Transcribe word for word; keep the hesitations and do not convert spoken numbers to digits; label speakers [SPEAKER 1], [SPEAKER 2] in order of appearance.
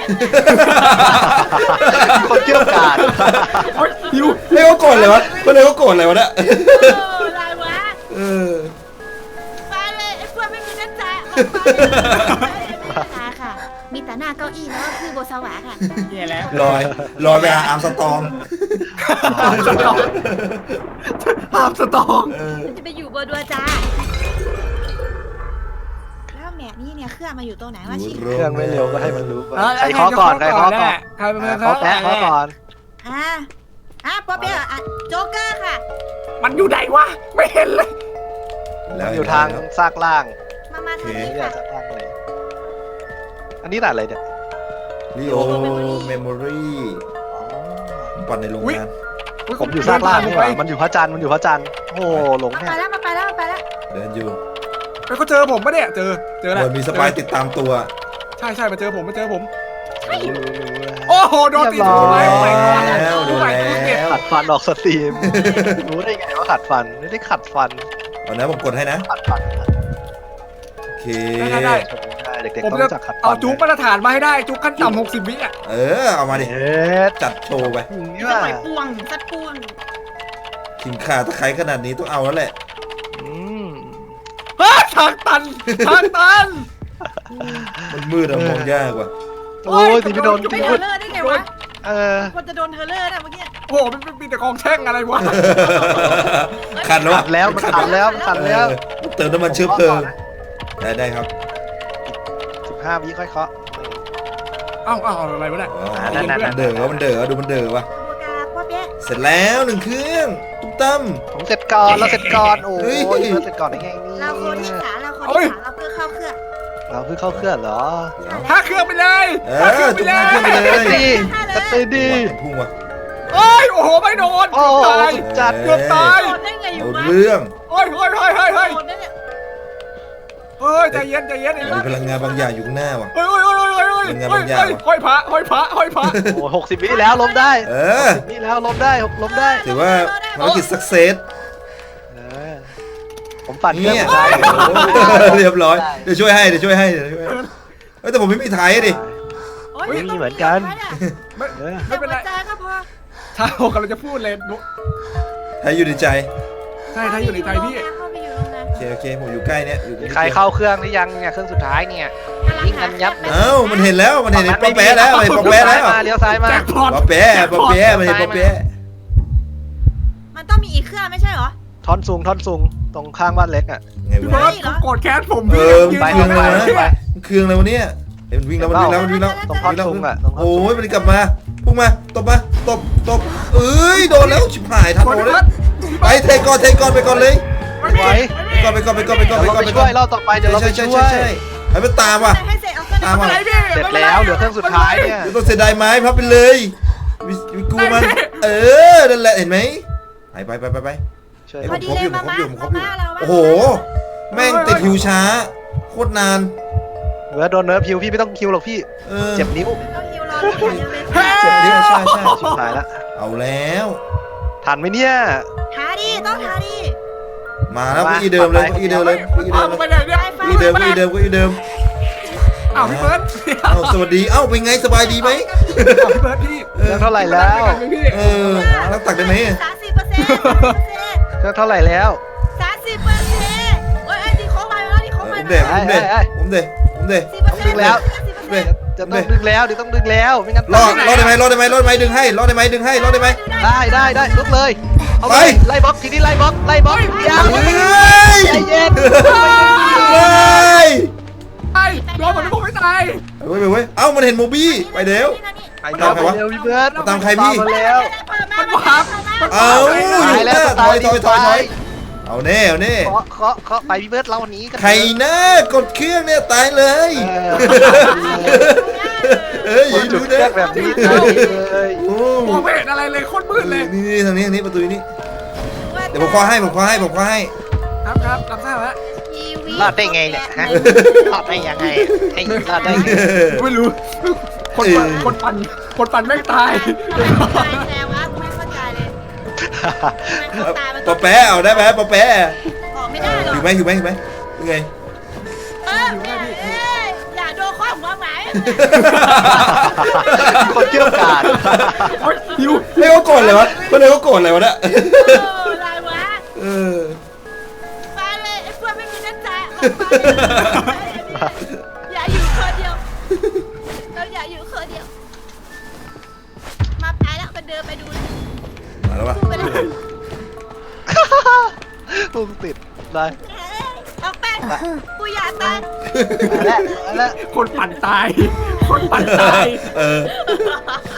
[SPEAKER 1] คนเกี่ยวกาด
[SPEAKER 2] หิวเรียกว่าโกรธเลยวะก็เลยว่าโกรธเลยวะเนี่ย
[SPEAKER 3] เออลายวะ
[SPEAKER 2] เออ
[SPEAKER 3] ไปเลยไอ้พวกไม่มีน้ำใจออกไปค่ะ มีแต่หน้าเก้าอี้แล้วก็คือโบสวาค่ะ
[SPEAKER 4] แย่แล้ว
[SPEAKER 2] ลอยลอยไปหาอาร์มสตอง
[SPEAKER 4] หามสตองหามสตอง
[SPEAKER 2] เออ
[SPEAKER 3] มันจะไปอยู่บนดัวจ้าแล้วเนี่ยนี่เนี่ยเครื่องมาอยู่ตรงไหนวะชิ
[SPEAKER 1] เครื่องไม่เร็วก็ให้มันรู้ไป
[SPEAKER 4] เออ
[SPEAKER 1] ใครเคาะก่อนใครเคาะก่อน
[SPEAKER 4] ใครเป็นคน
[SPEAKER 1] เคาะ
[SPEAKER 4] เคาะ
[SPEAKER 1] แปะเคาะก่อน
[SPEAKER 3] อ่าอ่ะป๊อปเปี้ยอ่ะโจ๊กเกอร์ค่ะ
[SPEAKER 4] มันอยู่ไหนวะไม่เห็นเลย
[SPEAKER 1] มันอยู่ทางซากล่าง
[SPEAKER 3] มามาทางนี้
[SPEAKER 1] นี่
[SPEAKER 3] ค่ะ
[SPEAKER 1] ซากล่างเลยอันนี้ด่านอะไรเนี่ย
[SPEAKER 2] ลีโอเมมโมรี่ปั่นในโรงงาน
[SPEAKER 1] ผมอยู่ซากล่างนี่หว่ามันอยู่พระจันทร์มันอยู่พระจันทร์โอ้โหหลง
[SPEAKER 3] มา
[SPEAKER 1] แน่
[SPEAKER 3] ไปแล้วมาไปแล้วมาไปแล้ว
[SPEAKER 2] เดินอยู่
[SPEAKER 4] แล้วเขาเจอผมปะเนี่ยเจอเจอ
[SPEAKER 2] เห
[SPEAKER 4] แล้ว
[SPEAKER 2] มือนมีสปายติดตามตัว
[SPEAKER 4] ใช่ใช่มาเจอผมมาเจอผม
[SPEAKER 1] รู้รู้รู้แล้ว
[SPEAKER 4] โอ้โหโดนตี
[SPEAKER 1] เรียบร้
[SPEAKER 4] ถู
[SPEAKER 1] อย
[SPEAKER 4] ไปไปก่อน
[SPEAKER 2] แล้ว
[SPEAKER 4] ถูไป
[SPEAKER 2] ดูแล้ว
[SPEAKER 4] ถูเก็บ
[SPEAKER 1] ขัดฟันออกสตรีม รู้ได้ไงว่าขัดฟันไม่ได้ขัดฟัน
[SPEAKER 2] เอานะผมกดให้นะ
[SPEAKER 1] ขัดฟัน
[SPEAKER 2] โอเค
[SPEAKER 4] ได้ได้
[SPEAKER 1] ได้เด็ก
[SPEAKER 4] ผม
[SPEAKER 1] ๆต้อง
[SPEAKER 4] จะ
[SPEAKER 1] รู้จักขัดฟัน
[SPEAKER 4] เอาจุ๊บมาตรฐานมาให้ได้จุ๊บขั้นต่ำหกสิบวิอ่ะ
[SPEAKER 2] เออเอามาดิ
[SPEAKER 1] เอ๊ะ
[SPEAKER 2] จัดโชว์ไป
[SPEAKER 1] อย่างนี้
[SPEAKER 3] สั
[SPEAKER 1] ว่ะ
[SPEAKER 3] ดหน่อยปวงสัดปวง
[SPEAKER 2] ขิงขาตะไคร้ขนาดนี้ต้องเอาแล้วแหละ
[SPEAKER 1] อืม
[SPEAKER 4] เฮ้ยทางตันทางตัน
[SPEAKER 2] มันมืดอะมองยากว่ะ
[SPEAKER 1] โอ้ยตีไม่โดน
[SPEAKER 3] จะไป
[SPEAKER 1] ตี
[SPEAKER 3] เท
[SPEAKER 1] ไม่
[SPEAKER 3] อร์เลอร์ได้ไงวะ
[SPEAKER 1] เออ
[SPEAKER 3] คนจะโดนเทอร์เลอร์นะเมื่อกี้
[SPEAKER 4] โอ้โหมันมีแต่กองแช่งอะไรวะ
[SPEAKER 2] ขัดแล้ว
[SPEAKER 1] ขัดแล้วมันขัดแล้วมันขัดแล้ว
[SPEAKER 2] เออเติมน้ำมันเชื้อเพลิงได้ได้ครับ
[SPEAKER 1] สิบห้าวิค่อยเคาะ
[SPEAKER 4] เอ้าเอ้าอะไรวะเนี่ย
[SPEAKER 2] อ๋อ
[SPEAKER 1] นั่นๆๆ
[SPEAKER 2] มันเดือดวะมันเดือดวะดูมันเดือดวะ
[SPEAKER 3] ตัวกาป๊อปเปี้ย
[SPEAKER 2] เสร็จแล้วหนึ่งเครื่องตุ้มตั้ม
[SPEAKER 1] ผมเสร็จก่อนเราเสร็จก่อนโอ้
[SPEAKER 2] เฮ้
[SPEAKER 1] ย
[SPEAKER 2] ย
[SPEAKER 1] เราเสร็จก่อนได้ไงนี่
[SPEAKER 3] เราโคที่สามเราโคที่สามเราเพื่อเข้าเครื่อง
[SPEAKER 1] เราเพิ่งเข้าเครื่องเหรอ
[SPEAKER 2] เดี๋ยว
[SPEAKER 4] ห้าเครื่องไปเลย
[SPEAKER 2] เอ
[SPEAKER 4] ห้าเครื่
[SPEAKER 2] อ
[SPEAKER 4] องไป
[SPEAKER 2] จุก
[SPEAKER 4] เล
[SPEAKER 2] ห้าเครื่องไป
[SPEAKER 4] ย
[SPEAKER 2] เลย
[SPEAKER 1] ดีสตีดี
[SPEAKER 2] พุ่งว่ะ
[SPEAKER 4] โอ้ยโอ้โหไม่โดน
[SPEAKER 1] โอ้โห
[SPEAKER 4] ตาย
[SPEAKER 1] สุดจัด
[SPEAKER 4] เกือบตาย
[SPEAKER 3] โดนได้ไงอยู่
[SPEAKER 2] เอา
[SPEAKER 3] วะ
[SPEAKER 2] เรื่อง
[SPEAKER 4] โอ้ยเฮ้ยเฮ้ยเฮ้ยเฮ้ย
[SPEAKER 3] โดนได้เนี่ย
[SPEAKER 4] เฮ้ยใจเย็นใจเย็นไอ้
[SPEAKER 2] มีพลังงานบางอย่างอยู่ข้างหน้าว่ะ
[SPEAKER 4] เฮ้ยเฮ้ยเฮ้ยเฮ้ยเฮ้ย
[SPEAKER 2] เป็นไง
[SPEAKER 4] เฮ้
[SPEAKER 2] บาย งอย่าง
[SPEAKER 4] เฮ้ยว
[SPEAKER 2] ะ
[SPEAKER 4] ห้อยพระห้อยพระห้อยพระ
[SPEAKER 1] โอ้หกสิบวิแล้วล้มได้
[SPEAKER 2] เออ
[SPEAKER 1] หกสิบวิแล้วล้มได้ล้มได้
[SPEAKER 2] ถือว่าภารกิจสักเซส
[SPEAKER 1] เออผมปั่นเครื่
[SPEAKER 2] เนี่
[SPEAKER 1] อง
[SPEAKER 2] ย
[SPEAKER 1] ได้
[SPEAKER 2] เรียบร้อยเดี๋ยวช่วยให้เดี๋ยวช่วยให้เดี๋ยวช่วยให้เฮ้ยแต่ผมไม่มีไทยดิ
[SPEAKER 3] โอ้ย
[SPEAKER 1] ไม่มีเหมือนกัน
[SPEAKER 4] ไม่
[SPEAKER 1] เออ
[SPEAKER 4] ไม่เป็นไร
[SPEAKER 3] ใจก็พอ
[SPEAKER 4] ถ้าผมกำลังจะพูดเลยนุ
[SPEAKER 2] ไทยอยู่ในใจ
[SPEAKER 4] ใช่ถ้าอยู่ในใจพี่
[SPEAKER 3] เข้าไปอยู่โรงงาน
[SPEAKER 2] โอเคโอเคผมอยู่ใกล้เนี่ยอยู่
[SPEAKER 1] มีใครเข้าเครื่องหรือยังเนี่ยเครื่องสุดท้ายเนี่ย ยิงกันยับ
[SPEAKER 2] เอ้ามันเห็นแล้วมันเห็นไอ้ป๊อปแป๊ะแล้วไอ้ป๊อปแป๊ะแล้ว
[SPEAKER 1] มาเลี้ยวซ้ายมา
[SPEAKER 4] แจ็คพอต
[SPEAKER 2] ป๊อปแป๊ะป๊อปแป๊ะมันเห็นป๊อปแป๊ะ
[SPEAKER 3] มันต้องมีอีกเครื่องไม่ใช่เหรอ
[SPEAKER 1] ท่อนสูงท่อนสูงตรงข้างบ้านเล็กอ่ะ
[SPEAKER 2] ไง
[SPEAKER 4] พี่
[SPEAKER 2] วะ
[SPEAKER 4] เบิร์ดผมโกรธแค้นผม
[SPEAKER 2] เอ
[SPEAKER 4] พี่
[SPEAKER 2] อ
[SPEAKER 4] ยื
[SPEAKER 2] มัน
[SPEAKER 4] น
[SPEAKER 2] เครื่อง
[SPEAKER 4] ทำ
[SPEAKER 2] อะไร
[SPEAKER 4] ไม
[SPEAKER 2] วะมันเครื่องอะไรวะเนี่ยเห็นมันวิ่งแล้วมันวิ่งแล้วมันวิ่งแล้ว
[SPEAKER 1] ตรงท่อนสูงอ่ะตรงท่อน
[SPEAKER 2] โอ้
[SPEAKER 1] สูง
[SPEAKER 2] ยมันกลับมาพุ่งมาตบมาตบตบเอ้ยโดนแล้วชิบหายทัน
[SPEAKER 4] โกรธ
[SPEAKER 2] โดน
[SPEAKER 4] พี่
[SPEAKER 2] เล
[SPEAKER 4] เบิ
[SPEAKER 2] ย
[SPEAKER 4] ร์ด
[SPEAKER 2] ไปเทก่อนเทก่อนไปก่อนเลย
[SPEAKER 4] ไม่
[SPEAKER 1] ไหว
[SPEAKER 4] มี
[SPEAKER 2] ไปก่อนไปก่อนไปก่อนไปก่อนไป
[SPEAKER 1] เดี๋ยว
[SPEAKER 2] ก่อน
[SPEAKER 1] เรา
[SPEAKER 2] ไป
[SPEAKER 1] ไป
[SPEAKER 2] ก่อน
[SPEAKER 1] ช่วยรอบต่อไปเดี๋ยวเราไป
[SPEAKER 2] ใช่
[SPEAKER 1] ช่
[SPEAKER 2] ใช่
[SPEAKER 1] วย
[SPEAKER 2] ใช่ให้มันตามว่ะ
[SPEAKER 3] ให้เสร็จเอาเครื่อง
[SPEAKER 2] ตามมา
[SPEAKER 4] อะไรพี่
[SPEAKER 1] เสร็จแล้วเหลือเครื่องสุดท้ายเนี่ย
[SPEAKER 2] เดี๋ยวต้องเสียดายไม้พับไปเลยวิวิกูมันเออนั่นแหละเห็นไหมไปไปไปไปไป
[SPEAKER 1] ช่วย
[SPEAKER 2] ไอ้
[SPEAKER 3] พ
[SPEAKER 2] ผ
[SPEAKER 3] อ
[SPEAKER 2] ม
[SPEAKER 3] ดี
[SPEAKER 2] ครบ
[SPEAKER 3] เล
[SPEAKER 2] อย ยู่ผม
[SPEAKER 3] มา
[SPEAKER 2] ครบ
[SPEAKER 3] มา
[SPEAKER 2] อยู่ผมครบอยู่
[SPEAKER 3] มาเรา
[SPEAKER 2] โอ้โหแม่งติดฮิวช้าโคตรนาน
[SPEAKER 1] เหลือโดนเนิร์ฟฮิวพี่ไม่ต้องฮิวหรอกพี่
[SPEAKER 2] เออ
[SPEAKER 1] เจ็บนิ้ว
[SPEAKER 3] ต้องฮิวรออย่างเดียวเลย
[SPEAKER 2] เจ็บนิ้วใช่ใช่
[SPEAKER 1] ชิบหายละ
[SPEAKER 2] เอาแล้ว
[SPEAKER 1] ทันไหมเนี่ย
[SPEAKER 3] ทาดีต้องทาดี
[SPEAKER 2] มาแล้วเก้าอี้เดิมเลยเก้าอี้เดิมเลยเก้าอี้เดิ
[SPEAKER 4] เอา
[SPEAKER 2] มเลย
[SPEAKER 4] ไปไหนเนี่ย
[SPEAKER 2] เก้าอี้เดิมเก้าอี้เดิมเก้าอี้เดิม
[SPEAKER 4] อ้าวพี่เบิร์ด
[SPEAKER 2] เอ้าสวัสดีเอ้าเป็นไงสบายดีไหม
[SPEAKER 4] อ้าวพี่เบิร์ดพี่
[SPEAKER 2] เอ
[SPEAKER 1] เครื่
[SPEAKER 2] อ
[SPEAKER 1] องเท่าไหร่แล้ว
[SPEAKER 4] พี่
[SPEAKER 2] เออนั่งตักได้ไหม
[SPEAKER 3] สามสิบเปอร์เซ็นต์
[SPEAKER 1] เครื่องเท่าไหร่แล้ว
[SPEAKER 3] สามสิบเปอร์เซ็นต์โอ้ยไอ้ดีโค้งมาแล้วดี
[SPEAKER 2] เอ
[SPEAKER 3] โค้ง
[SPEAKER 2] อ
[SPEAKER 3] มา
[SPEAKER 2] ผมเด็กผมเด็กผมเด็กผมเด็ก
[SPEAKER 3] สิบเปอร์เซ็นต์แล้วสิบเปอร์เซ็นต์
[SPEAKER 1] จะต้องดึงแล้วเดี๋ยวต้องดึงแล้วไม่งั้น
[SPEAKER 2] รอดรอดได้ไหมรอดได้ไหมรอดได้ไหมดึงให้รอดได้ไหมดึงให้รอดได้ไหม
[SPEAKER 1] ได้ได้ได้ลุกเลยเอาไป
[SPEAKER 2] ไป
[SPEAKER 1] ไล่บล็อกทีนี้ไล่บล็อกไล่บล็อกยาว
[SPEAKER 2] เฮ้ย
[SPEAKER 1] ใจเย็น
[SPEAKER 2] เฮ้ย
[SPEAKER 4] ไอ้โดนเหมือนผมไม่ตาย
[SPEAKER 2] เว้ยเว้ยเอ้ามันเห็นโมบี้ไปเดี๋ยว
[SPEAKER 1] ไปเร็วไปเร็วพี่เบิร์ด
[SPEAKER 2] มาตามใครพี่
[SPEAKER 1] มาแล้ว
[SPEAKER 3] มันวับ
[SPEAKER 2] เอาอยู่
[SPEAKER 1] ตายแล้ว
[SPEAKER 2] ถอยถอยถอยถอยเอาแน่เอาแน่
[SPEAKER 1] เคาะเคาะเคาะไปพี่เบิร์ดเราวันนี้กัน
[SPEAKER 2] ใครนะกดเครื่องเนี่ยตายเลย
[SPEAKER 1] เออ
[SPEAKER 2] เอ้ย
[SPEAKER 1] ค
[SPEAKER 2] อน ย่า
[SPEAKER 1] จุ
[SPEAKER 2] ดู
[SPEAKER 1] ดเครื่
[SPEAKER 2] นะ
[SPEAKER 1] องแบบนี้ตายเลย
[SPEAKER 2] โอ้
[SPEAKER 4] มองไม่เห็นอะไรเลยโคตรมืดเลย
[SPEAKER 2] นี่นี่ทางนี้ทางนี้ประตูนี้เดี๋ยวผมคว้าให้ผมคว้าให้ผมคว้าให้
[SPEAKER 4] ครับครับรับทราบแล้ว
[SPEAKER 1] รอดได้ไงเนี่ยฮะรอดได้ยังไงไอ้รอดได้ไง
[SPEAKER 4] ไม่รู้คนปั่นคนปั่นคนปั่นแม่งตาย
[SPEAKER 3] แต่ว่าไม่เข้าใจเลยไม่เข้าตามัน
[SPEAKER 2] ปอแปะเอาได้ไหมปอแปะ
[SPEAKER 3] ออกไม่ได้หรอก
[SPEAKER 2] อยู่ไหมอยู่ไหมอยู่ไหมยังไง
[SPEAKER 3] เอออย่าอ่ะโดนข้อหัวหมาย
[SPEAKER 1] คนเกี่ยวกาด
[SPEAKER 4] โอ๊ยหิว
[SPEAKER 2] เฮ้ยเขาโกรธเลยวะคนเลยเขาโกรธเลยวะเนี่ย
[SPEAKER 3] เอออะไรวะ
[SPEAKER 2] เออ
[SPEAKER 3] ไปเลยไอ้พวกไม่มีน้ำใจออกไปอย่าอยู่คนเดียวเราอย่าอยู่คนเดียวมาไปแล้วมันเดินไปดูเลย
[SPEAKER 2] มาแล้ววะ
[SPEAKER 3] พูดไปแล้ว
[SPEAKER 1] พุ่งติดเลย
[SPEAKER 3] ออกไปกูอยากตาย
[SPEAKER 1] แล้วแล้ว
[SPEAKER 4] คนปั่นตาย คนปั่นตาย
[SPEAKER 2] เออ